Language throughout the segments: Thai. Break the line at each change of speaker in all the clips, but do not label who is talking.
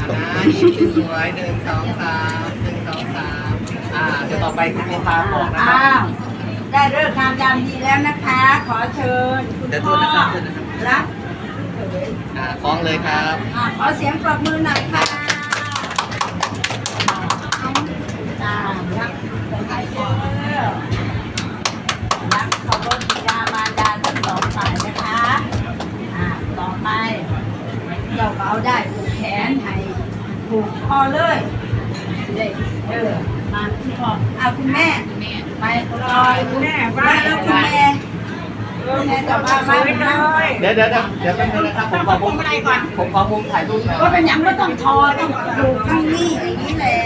ยิ้มสวยหนึ่งสองสามหนึ่งสองสามเดี๋ยวต่อไปคุณโมพาบอกนะครั
อ้า
บ
วได้เลิกงามยามดีแล้วนะคะ ขอเชิญคุณพ่อรับ
คล้องเลยครับ
ขอเสียงปรบมือหน่อยค่ะรับเป็นไงเจ้ารักเคารพบิดามารดาทั้งสองฝ่ายนะคะต่อไปเจ้าเขาได้ผูกแขนให้ผูกคอเลยเด็กมาคุณพ่อคุณแม่ไปลอยคุณแม่ว่าแล้วคุณแม่จะมาเลย
เดี๋ยวแป๊บนึงนะครับผมขอมุมถ่ายรูปหน่อย
ก็เป็นยังไม่ต้องทอต้องอยู่ข้างนี้อย่างนี้แหละ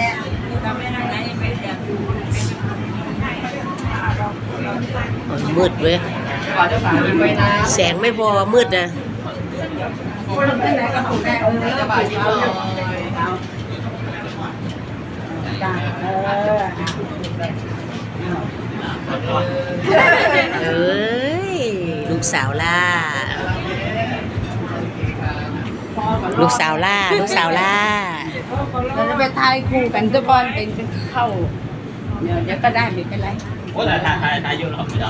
มืดเว้ย
ก่อนจะฝากไว้นะ
แสงไม่พอมืดนะ
คนที่ไหนก็ถูกแน่
จะบ่ายยิ้มเลย
เอ้ยลูกสาวล่าลูกสาวล่าลูกสาวล่า
เราจะไปทายคู่กันทุกคนเป็นเข้าเดี๋ยวก็ได้ไม่เป็นไร
โอ้แต่ถ่ายเยอะหรอกไม่ได้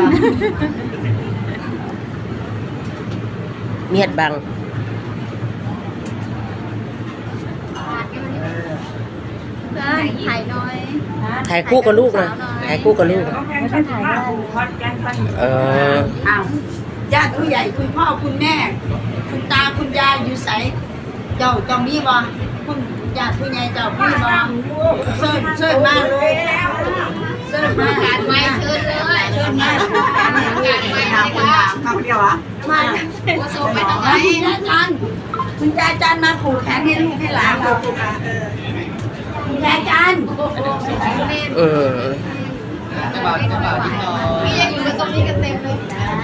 เมียดบัง
ถ่ายน้อย
ถ่ายคู่กับลูกนะถ่ายคู่กับลูก
ไม่ต้องถ่ายได้
เออ
อ้าวญาติผู้ใหญ่คุณพ่อคุณแม่ คุณตาคุณยายอยู่ใสเจ้าต้องมีบ่คุณญาติผู้ใหญ่เจ้าพี่บ่เชิญมาเลยเชิญมา
การไม้เชิญเลย
เชิญมา
การไม้นะคะ
คำเดียวอ่ะมา
โอโซไปทางไหน
คุณยายจันคุณยายจันมาผูกแขนให้ลูกให้หลานเราคุณยายจัน
เออ
จะบ่าวยิ้มหน่อย
พี่ยังอยู่กันตรงนี้กันเต็มเลย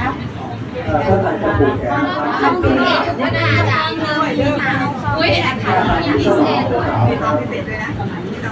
ทำดี
ว่าน่าจะอุ้ยอาถรรพ์มีพิเศษด้วย